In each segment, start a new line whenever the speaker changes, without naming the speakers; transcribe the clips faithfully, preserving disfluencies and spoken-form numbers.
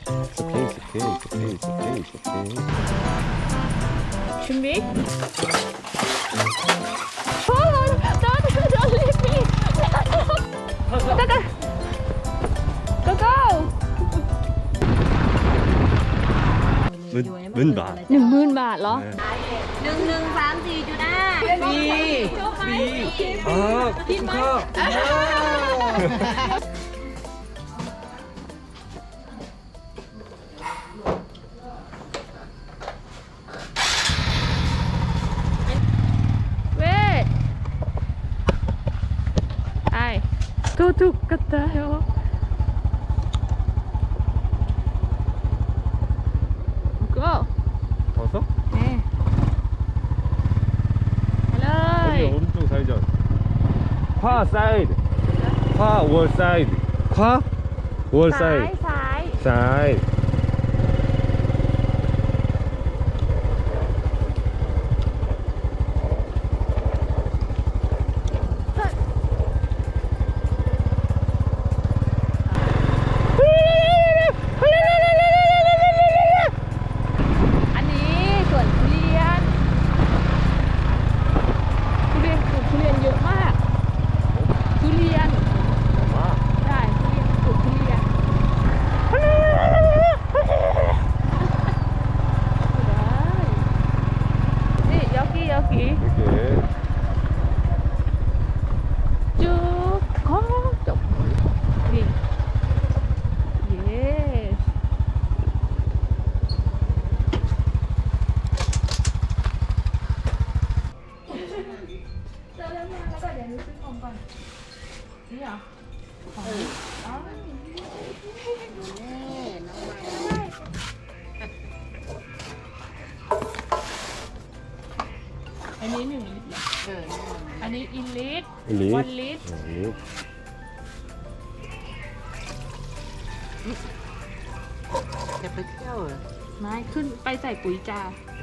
It's okay, it's okay, it's okay, it's okay, it's okay.
준비? 어, don't, don't leave me. 잠깐. Go go.
หมื่นหมื่นบาท
หนึ่งหมื่นบาทเหรอ
หนึ่งหนึ่งสามสี่จุดห้า
ฟรีฟรี
อ่ากินข้าว
เว้ยไอ้ทุกทุกกระต่ายก็
가서?
นี่ไปเลย
여기 오른쪽 사이즈. 화 사이드. 화 월 사이드. 화 월
ซ้าย
사이드.
ซ้าย
사이드.
อันนี้สวนทุเรียนทุเรียนปลูกทุเรียนเยอะมากทุเรียนได้ทุเรียนปลูกทุเรียนได้นี่ยอกี้ยอกี้
이렇게.
จุ๊บขอจบนี่ yes เจอแล้วมาแล้วก็เดี๋ยวนี้ซื้อของก่อนนี่เหรอของอ๋ออันนี้หนึ่งลิตรเหรออันนี้อินลิตร
ลิตร
วันลิตร
네.
จะไปเที่ยวเหรอ
ไม่ขึ้นไปใส่ปุ๋ยจ้า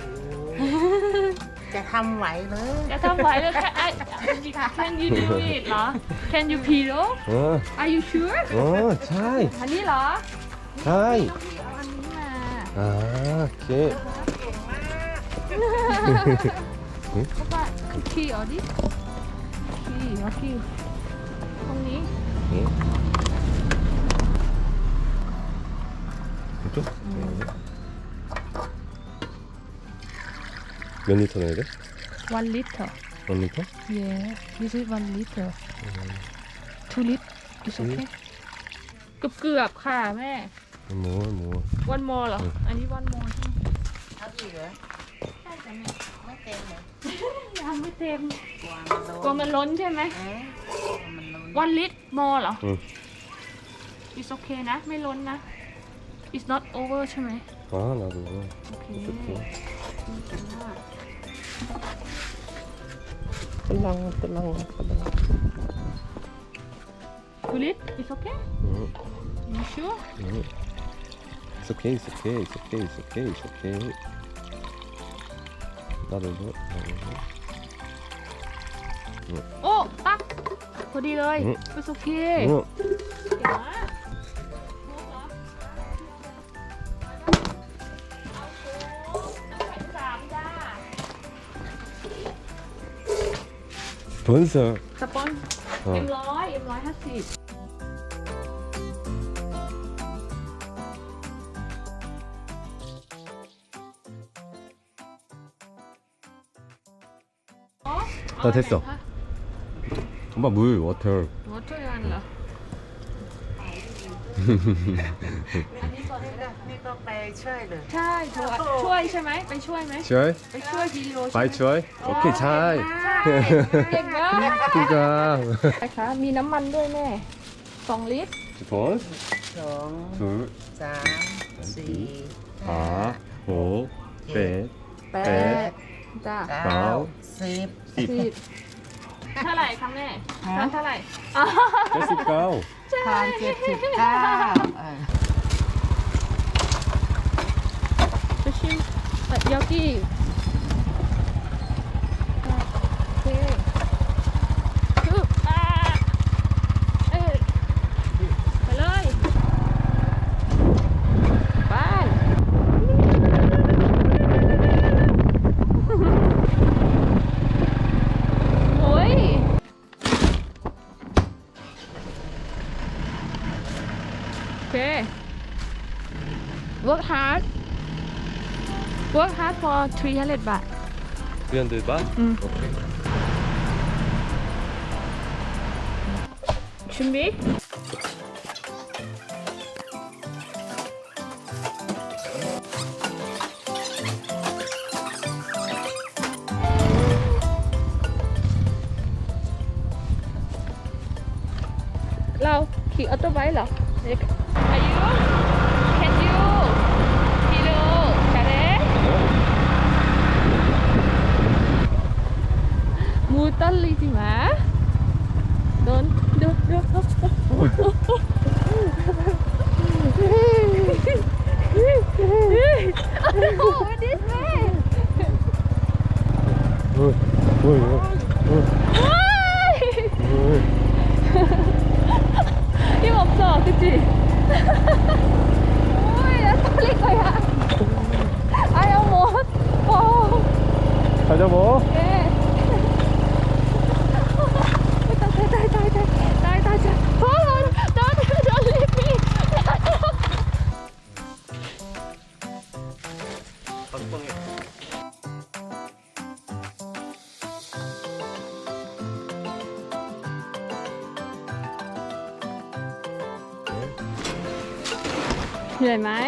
จะทำไหวเลย
จะทำไหวเลยแค่ไอ้ Can you do it เหรอ Can you pedal
어,
Are you sure
어, 차이,
อันนี้เหรอ
차이.
เอาอันนี้มา
아, 오케이.
เขาว่าขี่เอาดิขี่เอาขี่ตรงนี้
응. 이쪽? 몇 리터 넣어야 돼?
one liter
원 리터?
yeah this is one liter two liter is okay เกือบเกือบๆค่ะแม่
뭐, 뭐.
one more เหรอ อันนี้ one more ใช่ไหม
เอาอีกเหรอ
ใช่จ้ะแม่
ไม่เต็มเหรอ
ยังไม่เต็ม
กลัวมันโดน
กลัวมันล้นใช่ไหม
เอ๊ะกลัวมันโดน
one liter more เหรอ
응.
it's okay นะ ไม่ล้นนะ it's not over ใช่ไหม
아, 나도.
โอเค
오케이. 딸랑, 딸랑, 딸랑.
two liter it's okay
응,
you sure
응. It's okay, it's okay, it's okay, it's okay, it's okay. 나도 이거, 나도 이거.
โอ้ตักพอดีเลย
อืม
it's okay
응.
เก่งมากสามจ้า
본서.
สปอน
어.
เอ็มร้อยเอ็มร้อยห้าสิบ
나 됐어. 엄마 물, 워터.
วอเตอร์กันเหรอ
นี่ก็ไปช่วยเลย
ใช่ช่วยช่วยใช่ไหมไปช่วยไหม
추월?
ไปช่วยพี่โรใช่ไหม
마이 추월? 오케이, 차이.
เก่งมาก
그니까.
นะคะมีน้ำมันด้วยแม่สองลิตร
돈,
สอง
둘,
สามสี่ห้า
사, 오, 백,
แปดจ้า
เก้าสิบ
สิบเท่าไหร่คะแม่ทานเท่าไหร่อ๋อ
칠십구.
ทานเจ็ดสิบเก้าเออ
จะชิมเอ่อยากิโอเคคืออ่าเอ้ยไปเลย work hard work hard for three hundred บาท
three hundred baht?
Mm.
Okay.
준비เราขี่ออโต้ไบค์เหรออายุ can you ขี่ดู잘해 무 떨리지 마. 넌, 너, 너, no, this way.
Ôi, ôi, ôi, ôi.
힘 없어, 그치? 오이, 나 떨릴 거야. 아야, 뭐. 어.
가자 뭐.
예. Die, die, die, die, die, die. Hold on, don't, don't leave me.เหนื่อยไหม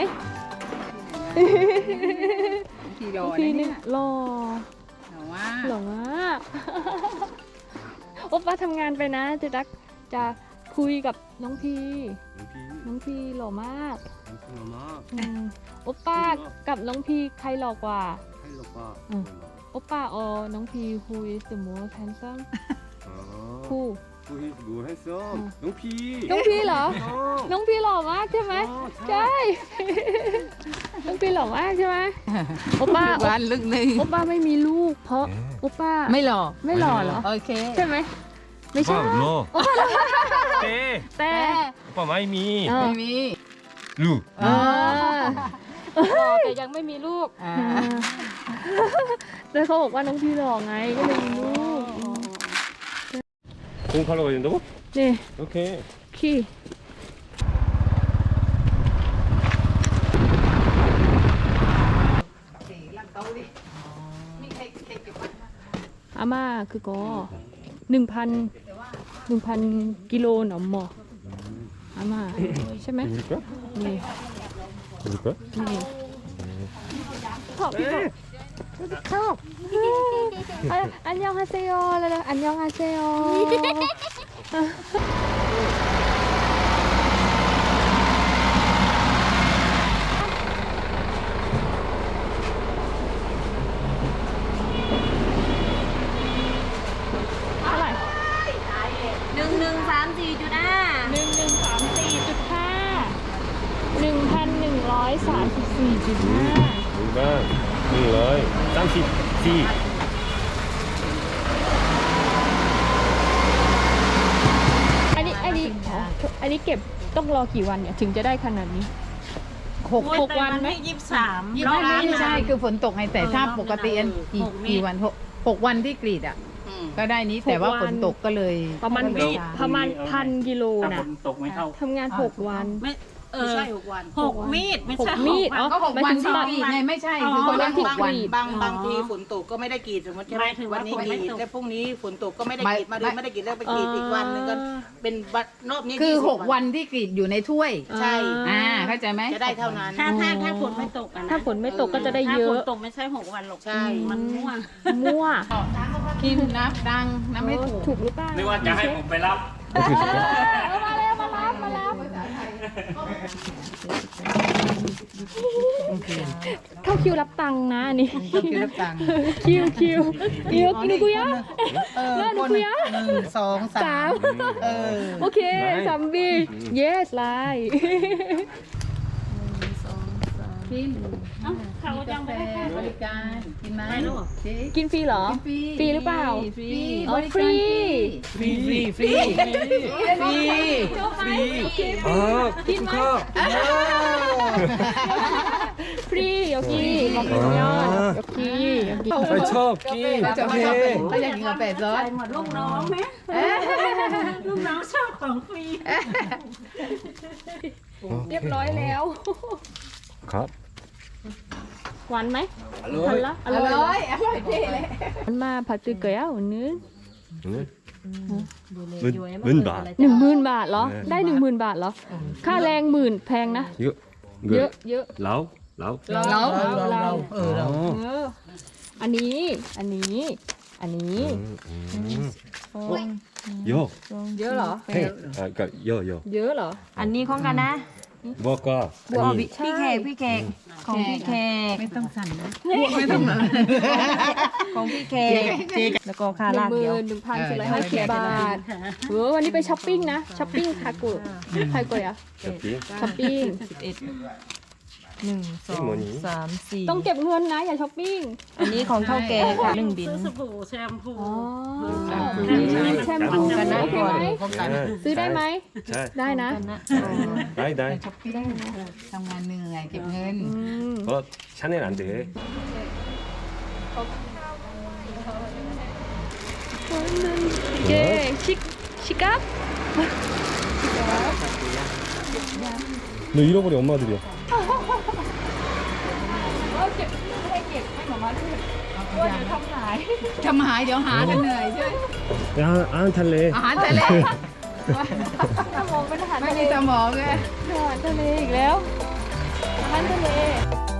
ทีรอ
พี่
นะ
นี่
เนี่ย
หล่อ
แต่ว่า
หล่อมากโอป้าทำงานไปนะจะรักจะคุยกับน้องพีน้องพีหล่อมากอืมโอป้ากับน้องพีใครหล่อกว่าอืมโอป้าอ๋อน้องพี who is the most handsome who
우리 뭐 했어?
응.
농피.
น้องพีเหรอ
어.
น้องพีหล่อมากใช่ไหม
어, 자.
ใช่ น้องพีหล่อมากใช่ไหมโอป้า
วันลึกนึง
โอป้าไม่มีลูก เพราะโอป้า
ไม่หล่อ
ไม่หล่อเหรอ
โอเค
ใช่ไหมไม่ใช่
오빠 눌러. 때.
แต่
오빠 많이 미.
เออ
ไม่มี
루.
เออหล่อแต่ยังไม่มีลูก
อ่า
แล้วเขาบอกว่าน้องพี่หล่อไงก็เลยมีลูก
공 가러 가야 된다고?
นี่
오케이.
ขี้ อาม่าคือก็หนึ่งพันหนึ่งพันกิโลหนอมหมออาม่าใช่ไหม
누굴까?
นี่
누굴까?
นี่ชอบพี่ชอบอันยองฮาเซโยแล้วอันยองฮาเซโยเท่าไหร่
หนึ่งหนึ่งสามสี่จุดห้า
หนึ่งหนึ่งสามสี่จุดห้าหนึ่งพันหนึ่งร้อยสามสิบสี่จุดห้า
누가? 누구이? 쌈시. 시.
อันนี้อันนี้อ๋ออันนี้เก็บต้องรอกี่วันเนี่ยถึงจะได้ขนาดนี้หกหกวันไหม
ยี่สิบสาม
ยี่สิบห้าไม่ใช่คือฝนตกไงแต่ถ้าปกติอันกี่กี่วันหกหกวันที่กรีดอ่ะ ก็ได้นี้แต่ว่าฝนตกก็เลย
ประมาณ
ก็เลยช้
ประมาณพันกิโล
ถ้า
นะ
ฝนตกไม่เข้า
ทำงานหกวัน
ไม่เอ
ไม่
อ
ใช่หกวัน
หกมีดไม่
หก
ใช่
มีด
หก
อ๋อ
ก็หก
หมาย
วัน
ถึง
ที่
ตัด
กรีดไงไม่ใช่คือคนละหกวัน
บางบางทีฝนตกก็ไม่ได้กรีดสมมติใช่ไหมวันนี้กรีดแล้วพรุ่งนี้ฝนตกก็ไม่ได้กรีดมาเลยไม่ได้กรีดแล้วไปกรีดอีกวันหนึงก็เป็นวันรอบนี้
คือ
ยี่สิบ
หกวันที่กรีดอยู่ในถ้วย
ใช่
อ่าเข้าใจไหม
จะได้เท่านั้น
ถ้าถ้าถ้าฝนไม่ตกอะนะ
ถ้าฝนไม่ตกก็จะได้
ถ้า
เย
ฝ
อะ
นตกไม่ใช่หกวันหรอก
ใช่
มันม่วง
มั่ว
กินนับดังนับไม่ถูก
ถูกหรือเปล่า
นึกว่าจะให้ผมไปรับ
เออมาแล้วมารับมารับเข้าคิวรับตังค์นะอันนี่
ก็คิวรับตังค์
คิวคิวคิวหนูกุยะ
เออ
แล้วหนู
คน
คุยอะ
หนึ่งสองสา
สาม ม
เออ
โอเคซัมบี yes ไลน์
กิน
เอ้าเขายังไม่ได้
บริการกินไหมเจ๊
กินฟรีเหรอ
ฟรี
ฟรีหรือเปล่า
ฟรี
อ๋อบ
ริ
ฟรี
การฟรีฟรีฟรีฟรี
아, 코코카.
ฟรีโอเคขอบคุณยอดโอเคโอเค
아이, 첩, 끼.
เขาจะไม่ชอบเป็ดเขาอยากกินกาแฟซอส
ใส่หมดลูกน้องไหมลูกน้องชอบของฟรี
เรียบร้อยแล้ว
ครับ
หวานไหม
อร่อ
ทั
ย
นละอ
อ
ร่อย
ร่อยอร่อยดีเลย
มันมาผัดตือเกลียวนึง
หมื่นหมื่นบาท
หนึ่งหมื่นบาทเหรอ
เออ
ได้หนึ่งหมื่นบาทเหรอ ค่าแรงหมื่นแพงนะ
เยอะ
เยอะเยอะ
เราเรา
เรา
เรา
เรา
เราเออเรา
เอออันนี้ อันนี้ อันนี้
เยอะ
เยอะเหรอ
เฮ้ยอ่ะก็เยอะเยอะ
เยอะเหรอ
อันนี้ของกันนะ
บอกก็อัน
อ๋อ
นี้
พี่เคกพี่เคกของพี่เคก
ไม่ต้องสั่นนะ
ของพี่เคกแล้วก็ค่า
หนึ่
ลาง ก
หมื่
เดียวน
หนึ่งพันสี่ร้อยห้าสิบบาทเออวันนี้ไปช้อปปิ้งนะ ช้อปปิ้งคากุไทยกุยอะ
จะปี
ช้อปปิ้ง
สิบเอ็ดหนึ่งสองสามสี่
ต้องเก็บเงินนะ อย่าช้อปปิ้ง
อันนี้ของเท่าแก่ค่ะหนึ่งบิน
อ๋อ
แช
แช
ม
ม
พู
พู
กันนะ
โอเคไหม
ใช่
ซื้อได้ไหม
ใช่
ได้นะ
กันนะ
ได้ได้
ช้อปปิ้งทำงานเหนื่อยเก็บเงิน
อืม
เพราะชาแนลอันเด
โอเคชิคชิกับ
너 잃어버린 엄마들이야.
เก็บไม่ให้เก็บให้หมามาด้วยกลัวเดี๋ยวทำหาย
ทำหายเดี๋ยวหากันเหนื่อยใช่ไหม
야, 안 탈래.
อาหารทะเล
ถ้ามองเป็นอาหาร
ไม่
ทะเล
มีสมองเลย
อาหารทะเลอีกแล้วอาหารทะเล